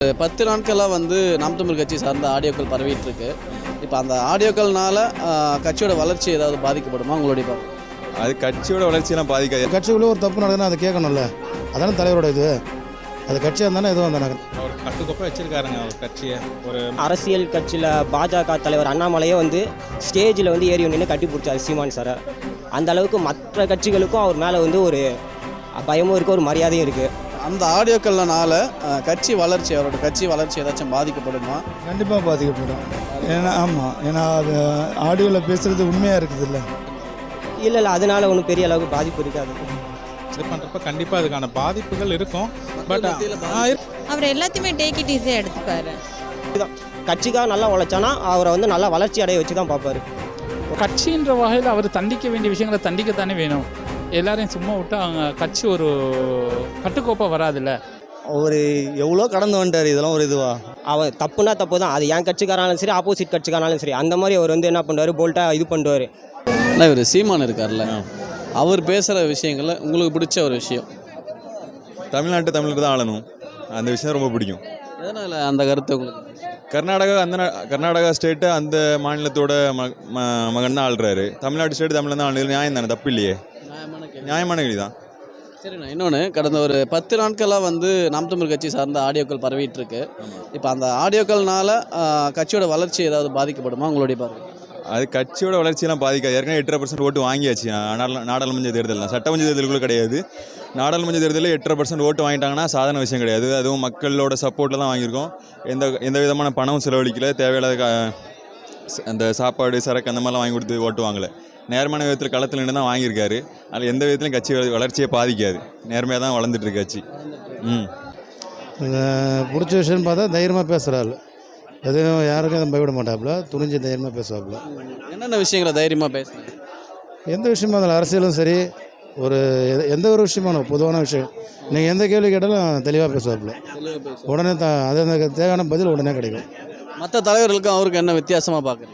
10 நாட்களாக நாம் தமிழ் கட்சி சார்ந்த ஆடியோக்கள் பரவிட்டு இருக்கு. இப்போ அந்த ஆடியோக்கள்னால கட்சியோட வளர்ச்சி ஏதாவது பாதிக்கப்படுமா உங்களுடைய பார்வை? அது கட்சியோட வளர்ச்சியெல்லாம் பாதிக்காது. கட்சிக்குள்ளே ஒரு தப்பு நடக்குதுன்னா அதை கேட்கணும்ல, அதான தலைவரோட இது. அது கட்சியாக இருந்தானே எதுவும் இருந்தாங்க. அவர் கட்டுக்கோப்பாக வச்சிருக்காருங்க அவர் கட்சியை. ஒரு அரசியல் கட்சியில் பாஜக தலைவர் அண்ணாமலையே ஸ்டேஜில் ஏறி நின்று கட்டி பிடிச்சார் சீமான் சாரை. அந்த அளவுக்கு மற்ற கட்சிகளுக்கும் அவர் மேலே ஒரு பயமும் இருக்குது, ஒரு மரியாதையும் இருக்குது. அந்த ஆடியோக்கள்னால கட்சி வளர்ச்சி, அவரோட கட்சி வளர்ச்சி ஏதாச்சும் பாதிக்கப்படுமா? கண்டிப்பாக பாதிக்கப்படும். ஏன்னா ஆமாம், ஏன்னா அது ஆடியோவில் பேசுகிறது உண்மையாக இருக்குது இல்லை. இல்லை அதனால ஒன்றும் பெரிய அளவுக்கு பாதிப்பு இருக்காது. இது பண்ணுறப்ப கண்டிப்பாக அதுக்கான பாதிப்புகள் இருக்கும். பட் அவர் எல்லாத்தையுமே டேக் இட் ஈஸியாக எடுத்துப்பாரு. கட்சிக்காக நல்லா உழைச்சானா அவரை நல்லா வளர்ச்சி அடைய வச்சு தான் பார்ப்பாரு. கட்சின்ற வகையில் அவர் தண்டிக்க வேண்டிய விஷயங்களை தண்டிக்கத்தானே வேணும். எல்லாரையும் சும்மா விட்டு அவங்க கட்சி ஒரு கட்டுக்கோப்பாக வராதுல்ல. அவர் எவ்வளோ கடந்து வந்துட்டார். இதெல்லாம் ஒரு இதுவா? அவர் தப்புனா தப்பு தான். அது என் கட்சிக்காரனாலும் சரி, ஆப்போசிட் கட்சிக்காரனாலும் சரி, அந்த மாதிரி அவர் என்ன பண்ணுவார், போல்ட்டாக இது பண்ணுவார். ஆனால் இவர் சீமான் இருக்கார்ல, அவர் பேசுகிற விஷயங்களில் உங்களுக்கு பிடிச்ச ஒரு விஷயம்? தமிழ்நாட்டு தமிழர் தான் ஆளணும், அந்த விஷயம் ரொம்ப பிடிக்கும். எதனால் அந்த கருத்து உங்களுக்கு? கர்நாடகா ஸ்டேட்டு அந்த மாநிலத்தோட மகன் தான் ஆள்றாரு. தமிழ்நாடு ஸ்டேட்டு தமிழ் தான் ஆளுநர். நியாயம் தானே, தப்பு இல்லையே, நியாயமான கேள்வி தான். சரிண்ணா, இன்னொன்று, கடந்த ஒரு 10 நாட்களாக நாம் தமிழ் கட்சி சார்ந்த ஆடியோக்கள் பரவிட்டு இருக்கு. இப்போ அந்த ஆடியோக்கள்னால கட்சியோட வளர்ச்சி ஏதாவது பாதிக்கப்படுமா உங்களுடைய பார்வை? அது கட்சியோட வளர்ச்சியெல்லாம் பாதிக்காது. ஏற்கனவே 8.5% ஓட்டு வாங்கியாச்சு. நாடாளுமன்ற தேர்தல் தான், சட்டமன்ற தேர்தலுக்குள்ளே கிடையாது. நாடாளுமன்ற தேர்தலில் 8.5% ஓட்டு வாங்கிட்டாங்கன்னா சாதாரண விஷயம் கிடையாது. அதுவும் மக்களோட சப்போர்ட்டில் தான் வாங்கியிருக்கோம். எந்த விதமான பணமும் செலவழிக்கல, தேவையில்லாத அந்த சாப்பாடு சரக்கு அந்த மாதிரிலாம் வாங்கி கொடுத்து ஓட்டு வாங்கலை. நேர்மையான விதத்தில் களத்தில் நின்று தான் வாங்கியிருக்காரு. அதில் எந்த விதத்துலையும் கட்சி வளர்ச்சியை பாதிக்காது. நேர்மையாக தான் வளர்ந்துட்டுருக்கு கட்சி. பிடிச்ச விஷயம்னு பார்த்தா தைரியமாக பேசுகிறாள். எதுவும் யாருக்கும் எதுவும் பயப்பட மாட்டாப்புல, துணிஞ்சு தைரியமாக பேசுவாப்புல. என்னென்ன விஷயங்களை தைரியமாக பேசுகிறேன்? எந்த விஷயமா இருந்தாலும், அரசியலும் சரி, எந்த ஒரு விஷயமான பொதுவான விஷயம், நீங்கள் எந்த கேள்வி கேட்டாலும் தெளிவாக பேசுவாப்புல. உடனே அது அந்த தேவையான பதில் உடனே கிடைக்கும். மற்ற தலைவர்களுக்கும் அவருக்கு என்ன வித்தியாசமாக பார்க்குறீங்க?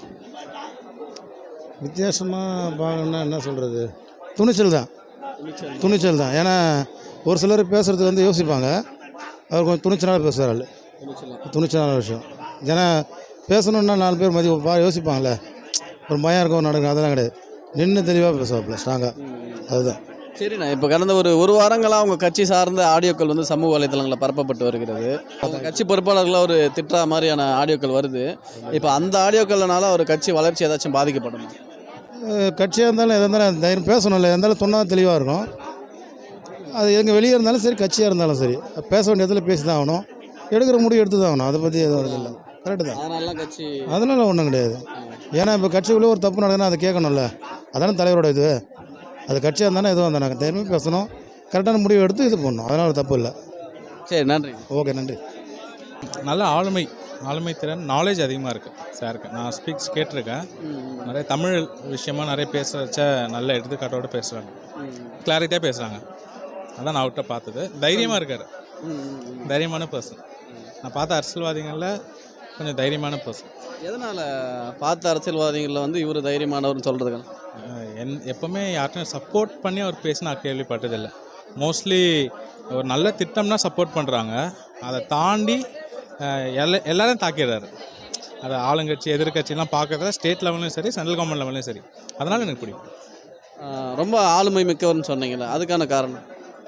வித்தியாசமாக பார்க்கணுன்னா என்ன சொல்கிறது, துணிச்சல் தான். ஏன்னா ஒரு சிலர் பேசுகிறதுக்கு யோசிப்பாங்க, அவர் கொஞ்சம் துணிச்சலாக பேசுகிறாள். துணிச்சலான விஷயம். ஏன்னா பேசணுன்னா 4 பேர் யோசிப்பாங்கள்ல, ஒரு பயம் இருக்கும், நடக்கும், அதெல்லாம் கிடையாது. நின்று தெளிவாக பேசுவாப்புல, ஸ்ட்ராங்காக. அதுதான். சரிண்ணா, இப்போ கடந்த ஒரு வாரங்களாக அவங்க கட்சி சார்ந்த ஆடியோக்கள் சமூக வலைதளங்களில் பரப்பப்பட்டு வருகிறது. அவங்க கட்சி பொறுப்பாளர்களாக ஒரு திட்டுற மாதிரியான ஆடியோக்கள் வருது. இப்போ அந்த ஆடியோக்கள்னால ஒரு கட்சி வளர்ச்சி ஏதாச்சும் பாதிக்கப்படும்? கட்சியாக இருந்தாலும் எதாக இருந்தாலும் தைரியம் பேசணும்ல, இருந்தாலும் சொன்னால் தெளிவாக இருக்கும். அது எங்கே வெளியே இருந்தாலும் சரி, கட்சியாக இருந்தாலும் சரி, பேச வேண்டிய இடத்துல பேசி தான் ஆகணும். எடுக்கிற முடிவு எடுத்து தான் ஆகணும். அதை பற்றி எதுவும் வருதில்லை. கரெக்டு தான். அதனால ஒன்றும் கிடையாது. ஏன்னா இப்போ கட்சிக்குள்ளே ஒரு தப்பு நடக்குதுன்னா அதை கேட்கணும்ல, அதான தலைவரோட இது. அது கட்சியாக இருந்தானே எதுவும் இருந்தாங்க, தைரியமாக பேசணும், கரெக்டான முடிவு எடுத்து இது பண்ணணும். அதனால் தப்பு இல்லை. சரி, நன்றி. ஓகே, நன்றி. நல்ல ஆளுமை திறன், நாலேஜ் அதிகமாக இருக்குது சாருக்கு. நான் ஸ்பீக்ஸ் கேட்டிருக்கேன். நிறைய தமிழ் விஷயமா நிறைய பேச வச்ச நல்ல எடுத்துக்காட்டோடு பேசுகிறாங்க, கிளாரிட்டியாக பேசுகிறாங்க. அதான் நான் அவர்கிட்ட பார்த்தது. தைரியமாக இருக்கார், தைரியமான பர்சன். நான் பார்த்த அரசியல்வாதிகளில் கொஞ்சம் தைரியமான பர்சன். எதனால் பார்த்த அரசியல்வாதிகளில் இவர் தைரியமானவர்னு சொல்கிறதுக்கு? எப்போவுமே யார்ட்டும் சப்போர்ட் பண்ணி அவர் பேசி நான் கேள்விப்பட்டதில்லை. மோஸ்ட்லி ஒரு நல்ல திட்டம்னா சப்போர்ட் பண்ணுறாங்க, அதை தாண்டி எல்லோரும் தாக்கிடுறாரு. அதை ஆளுங்கட்சி எதிர்கட்சிலாம் பார்க்கறத ஸ்டேட் லெவல்லையும் சரி, சென்ட்ரல் கவர்மெண்ட் லெவல்லையும் சரி. அதனால் எனக்கு பிடிக்கும். ரொம்ப ஆளுமை மிக்கவர்னு சொன்னீங்களே, அதுக்கான காரணம்?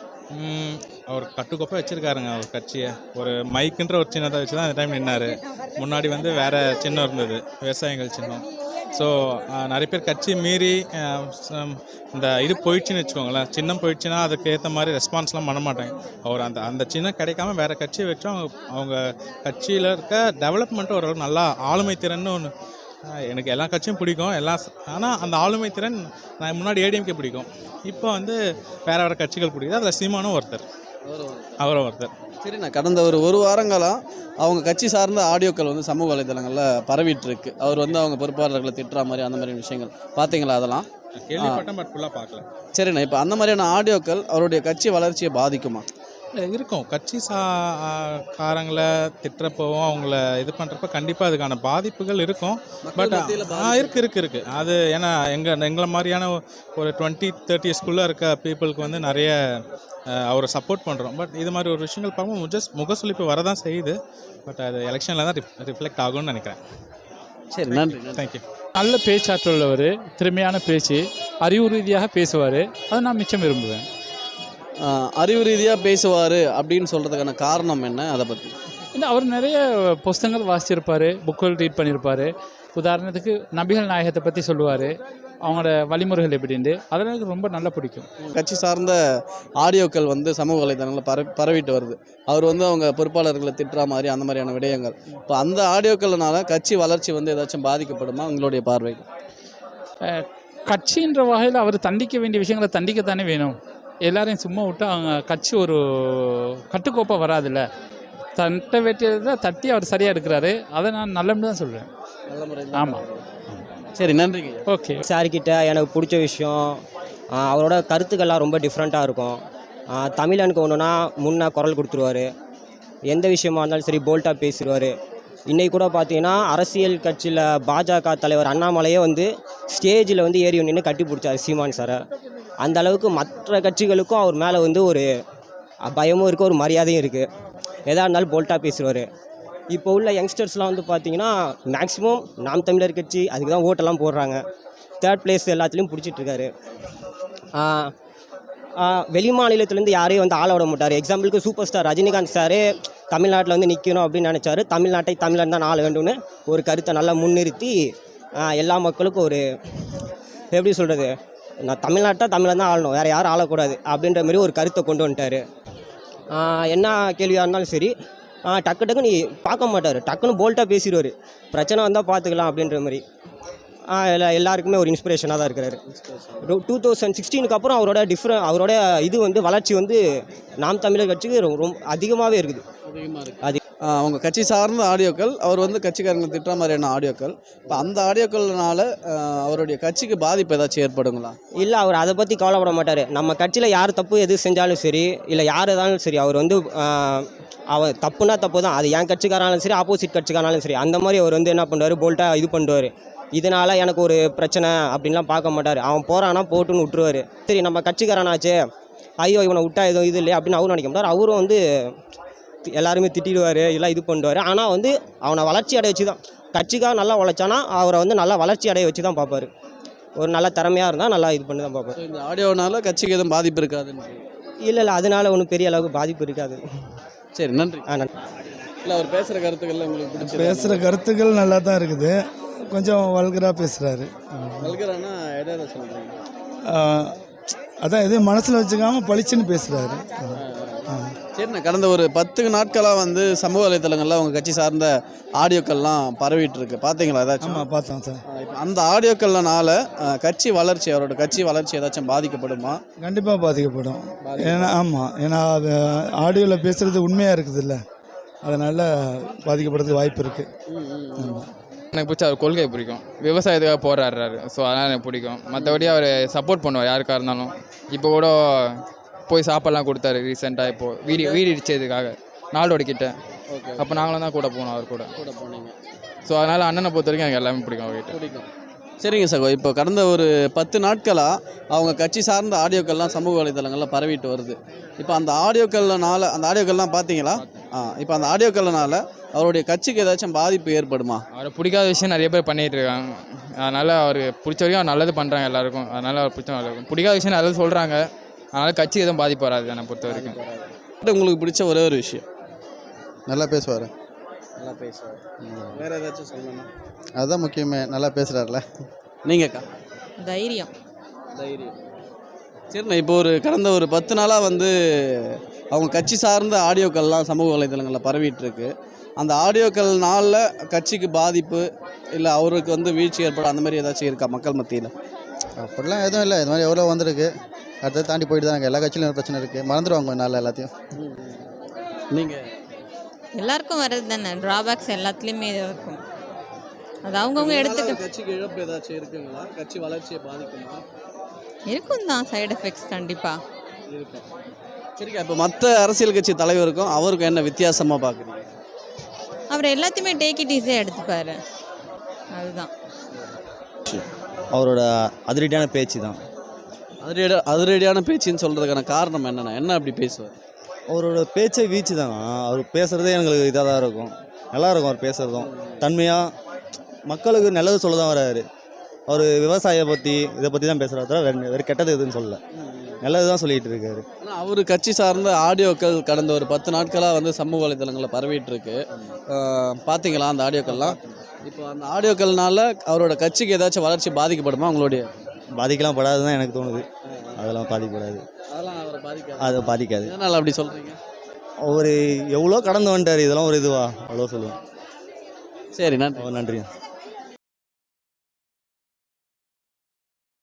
அவர் கட்டுக்கோப்பாக வச்சுருக்காருங்க அவர் கட்சியை. ஒரு மைக்குன்ற ஒரு சின்னத்தை வச்சு தான் அந்த டைம் நின்னார். முன்னாடி வேறு சின்னம் இருந்தது, விவசாயிகள் சின்னம். ஸோ நிறைய பேர் கட்சி மீறி இந்த இது போயிடுச்சுன்னு வச்சுக்கோங்களேன், சின்னம் போயிடுச்சுன்னா அதுக்கு ஏற்ற மாதிரி ரெஸ்பான்ஸ்லாம் பண்ண மாட்டாங்க. அவர் அந்த சின்னம் கிடைக்காம வேறு கட்சியை வச்சும் அவங்க கட்சியில் இருக்க டெவலப்மெண்ட்டு ஓரளவுக்கு நல்லா ஆளுமை திறன்னு ஒன்று. எனக்கு எல்லா கட்சியும் பிடிக்கும், ஆனால் அந்த ஆளுமை திறன் நான் முன்னாடி ஏடிஎம்கே பிடிக்கும், இப்போ வேறு கட்சிகள் பிடிக்குது. அதில் சீமானும் அவரும் ஒருத்தர். சரி, நான் கடந்த ஒரு வாரங்களாக அவங்க கட்சி சார்ந்த ஆடியோக்கள் சமூக வலைதளங்களில் பரவிட்டு இருக்கு. அவர் அவங்க பொறுப்பாளர்களை திட்டுற மாதிரி அந்த மாதிரி விஷயங்கள் பார்த்தீங்களா? அதெல்லாம் கேள்விப்பட்டேன், பட் ஃபுல்லாக பார்க்கல. சரிண்ணா, இப்போ அந்த மாதிரியான ஆடியோக்கள் அவருடைய கட்சி வளர்ச்சியை பாதிக்குமா? இருக்கும் கட்சி காரங்களை திட்டுறப்பவும் அவங்கள இது பண்ணுறப்ப கண்டிப்பாக அதுக்கான பாதிப்புகள் இருக்கும். பட் இருக்கு அது ஏன்னா எங்களை மாதிரியான ஒரு 20-30 இயர்ஸ்குள்ளே இருக்க பீப்புளுக்கு வந்து நிறைய அவரை சப்போர்ட் பண்ணுறோம். பட் இது மாதிரி ஒரு விஷயங்கள் பார்க்கும்போது முகசுளிப்பு வரதான் செய்யுது. பட் அது எலெக்ஷனில் தான் ரிஃப்ளெக்ட் ஆகும்னு நினைக்கிறேன். சரி, நன்றி. தேங்க்யூ. நல்ல பேச்சாற்றல் உள்ளவர், திறமையான பேச்சு, அறிவு ரீதியாக பேசுவார். அதை நான் மிச்சம் விரும்புவேன். அறிவு ரீதியாக பேசுவார் அப்படின்னு சொல்கிறதுக்கான காரணம் என்ன, அதை பற்றி? இல்லை, அவர் நிறைய புஸ்தகங்கள் வாசிச்சிருப்பார், புக்குகள் ரீட் பண்ணியிருப்பார். உதாரணத்துக்கு நபிகள் நாயகத்தை பற்றி சொல்லுவார், அவங்களோட வழிமுறைகள் எப்படின்ட்டு. அதெல்லாம் எனக்கு ரொம்ப நல்லா பிடிக்கும். கட்சி சார்ந்த ஆடியோக்கள் வந்து சமூக வலைதளங்களில் பரவிட்டு வருது. அவர் வந்து அவங்க பொறுப்பாளர்களை திட்டுற மாதிரி அந்த மாதிரியான விடயங்கள். இப்போ அந்த ஆடியோக்கள்னால கட்சி வளர்ச்சி வந்து ஏதாச்சும் பாதிக்கப்படுமா உங்களுடைய பார்வை? கட்சின்ற வகையில் அவர் தண்டிக்க வேண்டிய விஷயங்களை தண்டிக்கத்தானே வேணும். எல்லாரையும் சும்மா விட்டு அவங்க கட்சி ஒரு கட்டுக்கோப்பாக வராதுல்ல. தட்ட வேண்டியதை தட்டி அவர் சரியாக எடுக்கிறாரு. அதை நான் நல்லன்னு தான் சொல்கிறேன். நல்ல முறை. ஆமாம். சரி, நன்றிங்க. ஓகே. சார்கிட்ட எனக்கு பிடிச்ச விஷயம் அவரோட கருத்துக்கள்லாம் ரொம்ப டிஃப்ரெண்ட்டாக இருக்கும். தமிழனுக்கு ஒன்றுனா முன்னே குரல் கொடுத்துருவார். எந்த விஷயமா இருந்தாலும் சரி போல்ட்டாக பேசிடுவார். இன்றைக்கி கூட பார்த்தீங்கன்னா அரசியல் கட்சியில் பாஜக தலைவர் அண்ணாமலையே வந்து ஸ்டேஜில் வந்து ஏறி நின்று கட்டி பிடிச்சார் சீமான் சாரை. அந்த அளவுக்கு மற்ற கட்சிகளுக்கும் அவர் மேலே வந்து ஒரு பயமும் இருக்குது, ஒரு மரியாதையும் இருக்குது. எதாக இருந்தாலும் போல்ட்டாக பேசுவார். இப்போ உள்ள யங்ஸ்டர்ஸ்லாம் வந்து பார்த்தீங்கன்னா மேக்ஸிமம் நாம் தமிழர் கட்சி அதுக்கு தான் ஓட்டெல்லாம் போடுறாங்க. 3rd பிளேஸ் எல்லாத்துலேயும் பிடிச்சிட்ருக்காரு. வெளி மாநிலத்துலேருந்து யாரையும் வந்து ஆள விட மாட்டார். எக்ஸாம்பிளுக்கு சூப்பர் ஸ்டார் ரஜினிகாந்த் சாரே தமிழ்நாட்டில் வந்து நிற்கணும் அப்படின்னு நினச்சாரு. தமிழ்நாட்டை தமிழன் தான் ஆள வேண்டும்னு ஒரு கருத்தை நல்லா முன்னிறுத்தி எல்லா மக்களுக்கும் ஒரு எப்படி சொல்கிறது, நான் தமிழ்நாட்டை தமிழன் தான் ஆளணும், வேறு யாரும் ஆளக்கூடாது அப்படின்ற மாதிரி ஒரு கருத்தை கொண்டு வந்துட்டார். என்ன கேள்வியாக இருந்தாலும் சரி டக்கு நீ பார்க்க மாட்டார், டக்குன்னு போல்ட்டாக பேசிடுவார். பிரச்சனை வந்தால் பார்த்துக்கலாம் அப்படின்ற மாதிரி எல்லாருக்குமே ஒரு இன்ஸ்பிரேஷனாக தான் இருக்கிறாரு. 2016க்கு அப்புறம் அவரோட இது வந்து வளர்ச்சி வந்து நாம் தமிழர் கட்சிக்கு ரொம்ப அதிகமாகவே இருக்குது. அவங்க கட்சி சார்ந்த ஆடியோக்கள், அவர் வந்து கட்சிக்காரங்களை திட்டுற மாதிரியான ஆடியோக்கள். இப்போ அந்த ஆடியோக்கள்னால அவருடைய கட்சிக்கு பாதிப்பு ஏதாச்சும் ஏற்படுங்களா? இல்லை, அவர் அதை பற்றி கவலைப்பட மாட்டார். நம்ம கட்சியில் யார் தப்பு எது செஞ்சாலும் சரி, இல்லை யார் எதாலும் சரி, அவர் வந்து அவர் தப்புனா தப்பு தான். அது என் கட்சிக்காரனாலும் சரி, ஆப்போசிட் கட்சிக்காரனாலும் சரி, அந்த மாதிரி அவர் வந்து என்ன பண்ணுவார், போல்ட்டாக இது பண்ணுவார். இதனால் எனக்கு ஒரு பிரச்சனை அப்படின்லாம் பார்க்க மாட்டார். அவன் போகிறான்னா போட்டுன்னு விட்டுருவார். சரி, நம்ம கட்சிக்காரனாச்சே, ஐயோ இவனை விட்டா எதுவும் இது இல்லை அப்படின்னு அவரும் நினைக்க மாட்டார். அவரும் வந்து எல்லாருமே திட்டிடுவார், எல்லாம் இது பண்ணுவார். ஆனால் வந்து அவனை வளர்ச்சி அடைய வச்சு தான், கட்சிக்காக நல்லா உழைச்சானா அவரை வந்து நல்லா வளர்ச்சி அடைய வச்சு தான் பார்ப்பார். ஒரு நல்ல திறமையாக இருந்தால் நல்லா இது பண்ணி தான் பார்ப்பார். இந்த ஆடியோனால கட்சிக்கு எதுவும் பாதிப்பு இருக்காதுன்னு? இல்லை, அதனால் ஒன்றும் பெரிய அளவுக்கு பாதிப்பு இருக்காது. சரி, நன்றி. நன்றி. இல்லை, அவர் பேசுகிற கருத்துக்கள் உங்களுக்கு பிடிச்சி? பேசுகிற கருத்துக்கள் நல்லா தான் இருக்குது. கொஞ்சம் வல்கராக பேசுகிறாரு. வல்கரானா எதை சொல்கிறீங்க? அதான் எதையும் மனசில் வச்சுக்காமல் பளிச்சுன்னு பேசுகிறாரு. சரிண்ணா, கடந்த ஒரு 10 நாட்களாக வந்து சமூக வலைத்தளங்களில் அவங்க கட்சி சார்ந்த ஆடியோக்கள்லாம் பரவிட்டு இருக்கு, பார்த்தீங்களா ஏதாச்சும்? ஆமாம், பார்த்தோம் சார். இப்போ அந்த ஆடியோக்கள்னால கட்சி வளர்ச்சி, அவரோட கட்சி வளர்ச்சி ஏதாச்சும் பாதிக்கப்படுமா? கண்டிப்பாக பாதிக்கப்படும். ஏன்னா ஆமாம், ஏன்னா அது ஆடியோவில் பேசுகிறது உண்மையாக இருக்குது இல்லை, அதனால் பாதிக்கப்படுறதுக்கு வாய்ப்பு இருக்குது. ஆமாம். எனக்கு பிடிச்ச அவர் கொள்கை பிடிக்கும், விவசாயத்துக்காக போராடுறாரு. ஸோ அதனால் எனக்கு பிடிக்கும். மற்றபடி அவர் சப்போர்ட் பண்ணுவார் யாருக்காக இருந்தாலும். இப்போ கூட போய் சாப்பாடெலாம் கொடுத்தாரு ரீசெண்டாக, இப்போது வீடு இடிச்சதுக்காக நாளோட கிட்ட. ஓகே. அப்போ நாங்களும் தான் கூட போனோம், அவர் கூட போனீங்க. ஸோ அதனால் அண்ணனை பொறுத்த வரைக்கும் எனக்கு எல்லாமே பிடிக்கும் அவர்கிட்ட. பிடிக்கும். சரிங்க சகோ, இப்போ கடந்த ஒரு 10 நாட்களாக அவங்க கட்சி சார்ந்த ஆடியோக்கள்லாம் சமூக வலைத்தளங்களில் பரவிட்டு வருது. இப்போ அந்த ஆடியோக்கள்லாம் பார்த்தீங்களா? இப்போ அந்த ஆடியோக்கள்னால அவருடைய கட்சிக்கு ஏதாச்சும் பாதிப்பு ஏற்படுமா? அவரை பிடிக்காத விஷயம் நிறைய பேர் பண்ணிகிட்டு இருக்காங்க. அதனால் அவர் பிடிச்ச வரைக்கும் அவர் நல்லது பண்ணுறாங்க எல்லாருக்கும். அதனால் அவர் பிடிச்ச நல்லது, பிடிக்காத விஷயம் நல்லது சொல்கிறாங்க. அதனால் கட்சி எதுவும் பாதிப்பு வராது என்னை பொறுத்த வரைக்கும். உங்களுக்கு பிடிச்ச ஒரே ஒரு விஷயம்? நல்லா பேசுவார். நல்லா பேசுவார். வேறு ஏதாச்சும் சொல்லணும்னா? அதுதான் முக்கியமே, நல்லா பேசுகிறார்ல. நீங்கக்கா? தைரியம். சரிண்ணா, இப்போ கடந்த ஒரு 10 நாளாக வந்து அவங்க கட்சி சார்ந்த ஆடியோக்கள்லாம் சமூக வலைதளங்களில் பரவிட்டு இருக்கு. அந்த ஆடியோக்கள்னால கட்சிக்கு பாதிப்பு இல்லை அவருக்கு வந்து வீழ்ச்சி ஏற்படும் அந்த மாதிரி ஏதாச்சும் இருக்கா மக்கள் மத்தியில்? அப்படிலாம் எதுவும் இல்லை. இது மாதிரி எவ்வளோ வந்திருக்கு, அடுத்தது தாண்டி போயிட்டு தான் எல்லா கட்சியிலும் பிரச்சனை இருக்குது, மறந்துடுவாங்க நாளில் எல்லாத்தையும். நீங்கள்? எல்லாருக்கும் வர்றது தானே, ட்ராபேக்ஸ் எல்லாத்துலேயுமே இருக்கும். அது அவங்கவுங்க எடுத்துக்க. கட்சிக்கு இழப்பு ஏதாச்சும் இருக்குங்களா? கட்சி வளர்ச்சியை பாதிக்குமா? இருக்கும் தான், சைடு எஃபெக்ட்ஸ் கண்டிப்பாக இருக்கும். சரிக்கா, இப்போ மற்ற அரசியல் கட்சி தலைவருக்கும் அவருக்கும் என்ன வித்தியாசமாக பார்க்குறீங்க? அவர் எல்லாத்தையுமே டேக் இட் ஈஸியாக எடுத்துப்பார். அதுதான். அவரோட அதிரடியான பேச்சு தான். அதிரடியான பேச்சுன்னு சொல்கிறதுக்கான காரணம் என்னென்ன? என்ன அப்படி பேசுவார்? அவரோட பேச்சை வீச்சு தான். அவர் பேசுகிறதே எங்களுக்கு இதாக தான் இருக்கும், நல்லா இருக்கும். அவர் பேசுகிறதும் தன்மையாக மக்களுக்கு நல்லது சொல்ல தான் வராரு. அவர் விவசாயியை பற்றி இதை பற்றி தான் பேசுகிறாரு, தவிர வேறு கெட்டது எதுன்னு சொல்லல, நல்லது தான் சொல்லிகிட்டு இருக்காரு. ஆனால் அவர் கட்சி சார்ந்த ஆடியோக்கள் கடந்த ஒரு 10 நாட்களாக வந்து சமூக வலைதளங்களில் பரவிட்டு இருக்கு. பார்த்தீங்களா அந்த ஆடியோக்கள்லாம்? இப்போ அந்த ஆடியோக்கள்னால அவரோட கட்சிக்கு ஏதாச்சும் வளர்ச்சி பாதிக்கப்படுமா உங்களுடைய? பாதிக்கலாம் படாது தான் எனக்கு தோணுது. அதெல்லாம் பாதிக்கப்படாது. அதெல்லாம் அவரை பாதிக்காது. அது பாதிக்காது. எதனால் அப்படி சொல்கிறீங்க? ஒரு எவ்வளோ கடந்து வந்துட்டார், இதெல்லாம் ஒரு இதுவா அவ்வளோ சொல்லுவேன். சரி, நன்றி. நன்றி.